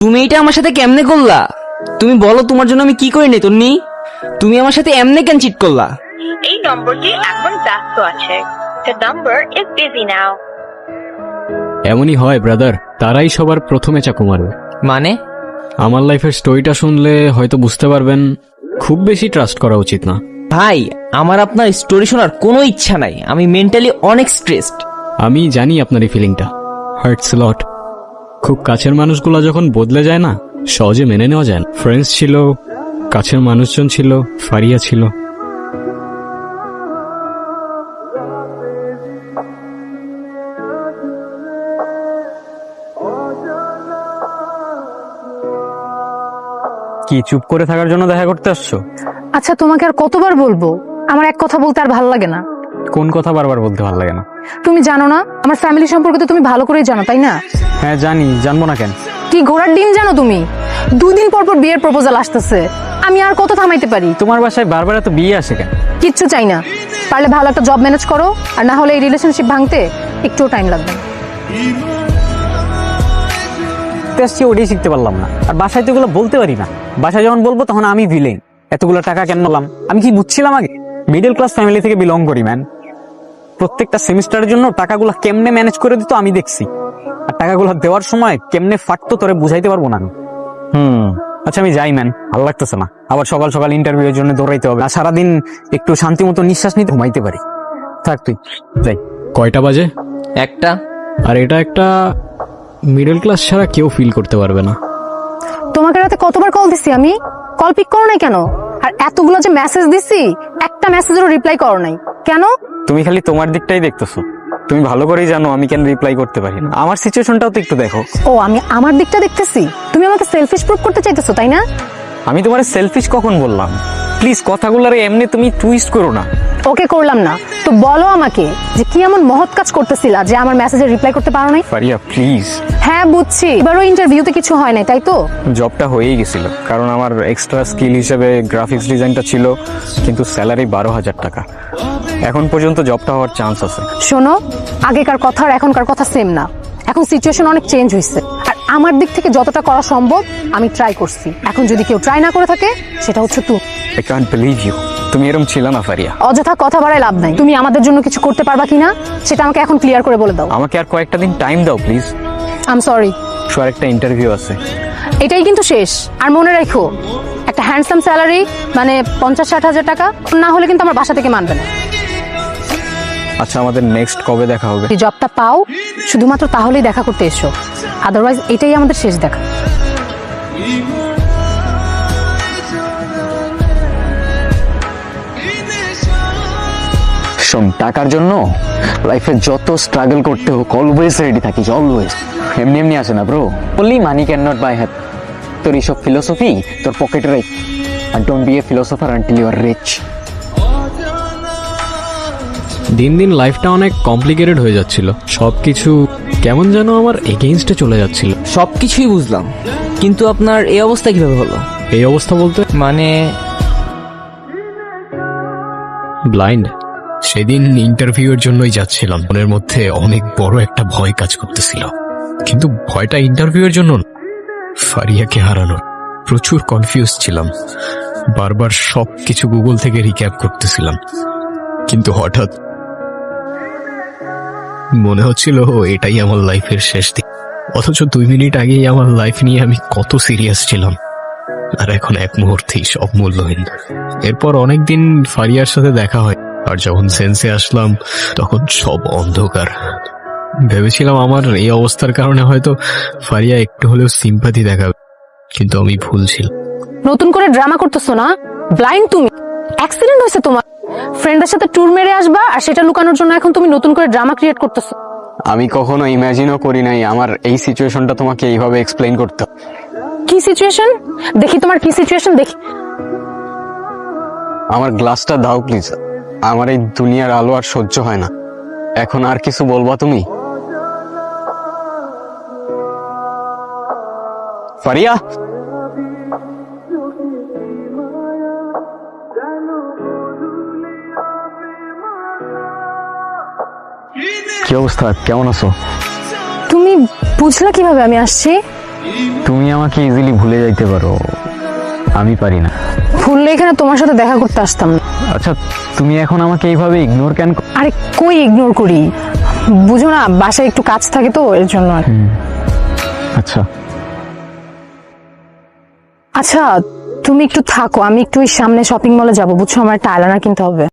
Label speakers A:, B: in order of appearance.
A: তুমি এটা আমার সাথে কেমনে করলা? তুমি বলো তোমার জন্য আমি কি করিনি তন্নি? তুমি আমার সাথে এমনে কেন চিট করলা?
B: এই নম্বরটি এখন ব্যস্ত আছে। The number is busy now.
C: এমনই হয় ব্রাদার, তারাই সবার প্রথমে চাকু মারবে।
A: মানে?
C: আমার লাইফের স্টোরিটা শুনলে হয়তো বুঝতে পারবেন খুব বেশি ট্রাস্ট করা উচিত না।
A: ভাই, আমার আপনার স্টোরি শোনার কোনো ইচ্ছা নাই। আমি মেন্টালি অনেক স্ট্রেসড।
C: আমি জানি আপনার এই ফিলিংটা, হার্টস লট। খুব কাছের মানুষগুলো যখন বদলে যায় না, সহজে মেনে নেওয়া যায় না। ফ্রেন্ডস ছিল, কাছের মানুষজন ছিল, ফারিয়া ছিল। কি চুপ করে থাকার জন্য দেখা করতে আসছো?
D: আচ্ছা, তোমাকে আর কতবার বলবো, আমার এক কথা বলতে আর ভালো লাগে না।
C: কোন কথা বারবার বলতে ভালো লাগে না?
D: তুমি জানো না আমার ফ্যামিলি সম্পর্কে? তো তুমি ভালো করেই জানো, তাই না?
C: হ্যাঁ জানি, জানবো না কেন?
D: কি ঘোড়ার ডিম জানো তুমি? 2 দিন পর পর বিয়ের প্রপোজাল আসতেছে। আমি আর কত থামাইতে পারি?
C: তোমার বাসায় বারবার এত বিয়ে আসে কেন?
D: কিচ্ছু চাই না, পারলে ভালো একটা জব ম্যানেজ করো, আর না হলে এই রিলেশনশিপ ভাঙতে একটুও টাইম লাগবে না।
E: আসছি ওটাই শিখতে পারলাম না, আর বাসায় তো এগুলো বলতে পারি না। বাসায় যখন বলবো তখন আমি ভিলেন। এতগুলো টাকা কেন নিলাম? আমি কি বুঝছিলাম আগে? মিডল ক্লাস ফ্যামিলি থেকে বিলং করি ম্যান। প্রত্যেকটা সেমিস্টারের জন্য টাকাগুলো কেমনে ম্যানেজ করে দিত আমি দেখছি, আর টাকাগুলো দেওয়ার সময় কেমনে ফাটতো তোরে বুঝাইতে পারবো না আমি। আচ্ছা আমি যাই ম্যান, ভালো লাগতেছে না। আবার সকাল সকাল ইন্টারভিউয়ের জন্য দৌড়াইতে হবে, আর সারাদিন একটু শান্তি মতো নিঃশ্বাস নিতে ঘুমাইতে পারি। থাক তুই, যাই।
C: কয়টা বাজে?
A: একটা।
C: আর এটা একটা মিডল ক্লাস ছাড়া কেউ ফিল করতে পারবে না।
D: তোমাকে রাতে কতবার কল দিছি আমি, কল পিক করো নাই কেন? আর এতগুলো যে মেসেজ দিছি, একটা মেসেজেরও রিপ্লাই করো নাই কেন?
E: তুমি খালি তোমার দিকটাই দেখতেছো। তুমি ভালো করেই জানো আমি কেন রিপ্লাই করতে পারি না। আমার সিচুয়েশনটাও তো একটু দেখো।
D: ও, আমি আমার দিকটা দেখতেছি, তুমি আমাকে সেলফিশ প্রুভ করতে চাইতেছো, তাই না?
E: আমি তোমার সেলফিশ কখন বললাম? প্লিজ কথাগুলোর এমনি তুমি টুইস্ট করো না।
D: ওকে, করলাম না তো বলো আমাকে যে কি এমন মহৎ কাজ করতেছিলা যে আমার মেসেজে রিপ্লাই করতে পারো নাই?
E: ফারিয়া প্লিজ।
D: হ্যাঁ বুঝছি, এবারও ইন্টারভিউতে কিছু হয় নাই, তাই তো?
E: জবটা হয়েই গেছিল, কারণ আমার এক্সট্রা স্কিল হিসেবে গ্রাফিক্স ডিজাইনটা ছিল, কিন্তু স্যালারি 12,000 টাকা। এখন পর্যন্ত জবটা হওয়ার চান্স আছে।
D: শোনো, আগেকার কথা আর এখনকার কথা সেম না। এখন সিচুয়েশন অনেক চেঞ্জ হয়েছে, আর আমার দিক থেকে যতটা করা সম্ভব আমি ট্রাই করছি। এখন যদি কেউ ট্রাই না করে থাকে, সেটা হচ্ছে তুমি।
E: আই কান্ট বিলিভ ইউ, তুমি এরকম ছিল না ফারিয়া।
D: অযথা কথা বাড়ায় লাভ নাই। তুমি আমাদের জন্য কিছু করতে পারবা কিনা সেটা আমাকে এখন ক্লিয়ার করে বলে দাও।
E: আমাকে আর কয়েকটা দিন টাইম দাও প্লিজ।
D: I am sorry.
E: একটা ইন্টারভিউ আছে।
D: এটাই কিন্তু শেষ। আর মনে রাখো, একটা হ্যান্ডসাম স্যালারি মানে 50-60 হাজার টাকা না হলে কিন্তু আমার বাসা থেকে মানবে না।
E: আচ্ছা আমাদের নেক্সট কবে দেখা হবে?
D: যদি জবটা পাও শুধুমাত্র তাহলেই দেখা করতে এসো, আদারওয়াইজ এটাই আমাদের শেষ দেখা।
E: শোন, টাকার জন্য লাইফে যত স্ট্রাগল করতে হোক অলওয়েজ রেডি থাকিস, অলওয়েজ। এমনি এমনি আসে না ব্রো। বললি মানি ক্যান নট বাই হ্যাপ। তোর এইসব ফিলোসফি তোর পকেটে রাখ, আর don't be a philosopher until you are rich.
C: দিন দিন লাইফটা অনেক কমপ্লিকেটেড হয়ে যাচ্ছিল। সবকিছু কেমন যেন আমার এগেইনস্টে চলে যাচ্ছিল।
A: সবকিছুই বুঝলাম, কিন্তু আপনার এই অবস্থা কিভাবে হলো?
C: এই অবস্থা বলতে
A: মানে
C: ব্লাইন্ড। সেদিন ইন্টারভিউয়ের জন্যই যাচ্ছিলাম, মনের মধ্যে অনেক বড় একটা ভয় কাজ করতেছিল, কিন্তু ভয়টা ইন্টারভিউয়ের জন্য না, ফারিয়াকে হারানোর। প্রচুর কনফিউজ ছিলাম, বারবার সবকিছু গুগল থেকে রিক্যাপ করতেছিলাম, কিন্তু হঠাৎ মনে হচ্ছিল এটাই আমার লাইফের শেষ দিন। অথচ 2 মিনিট আগেই আমার লাইফ নিয়ে আমি কত সিরিয়াস ছিলাম, আর এখন এক মুহূর্তেই সব মূল্যহীন। এরপর অনেকদিন ফারিয়ার সাথে দেখা হয়, আর যখন সেন্সে আসলাম তখন সব অন্ধকার। ভেবেছিলাম আমার এই অবস্থার কারণে হয়তো ফারিয়া একটু হলেও সিম্পাথি দেখাবে, কিন্তু আমি ভুল ছিলাম।
D: নতুন করে ড্রামা করতেছো না? ব্লাইন্ড তুমি। অ্যাক্সিডেন্ট হয়েছে তোমার, ফ্রেন্ডের সাথে ট্যুর মেরে আসবা, আর সেটা লুকানোর জন্য এখন তুমি নতুন করে ড্রামা ক্রিয়েট করতেছো।
E: আমি কখনো ইমাজিনও করি নাই আমার এই সিচুয়েশনটা তোমাকে এইভাবে এক্সপ্লেইন করতে হবে।
D: কি সিচুয়েশন? দেখি তোমার কি সিচুয়েশন দেখি।
E: আমার গ্লাসটা দাও প্লিজ, আমার এই দুনিয়ার আলো আর সহ্য হয় না। এখন আর কিছু বলবা তুমি? ফারিয়া,
F: কি অবস্থা, কেমন আছো?
D: তুমি বুঝলা কিভাবে আমি আসছি?
E: তুমি আমাকে ইজিলি ভুলে যাইতে পারো, আমি পারি না।
D: ভুললে এখানে তোমার সাথে দেখা করতে আসতাম না।
E: আচ্ছা, তুমি এখন আমাকে এইভাবে ইগনোর কেন
D: আরে কই ইগনোর করি, বুঝো না বাসায় একটু কাজ থাকে তো এর জন্য আর।
E: আচ্ছা,
D: আচ্ছা তুমি একটু থাকো, আমি একটু ওই সামনে শপিং মলে যাবো বুঝছো, আমার একটা আইলাইনার কিনতে হবে।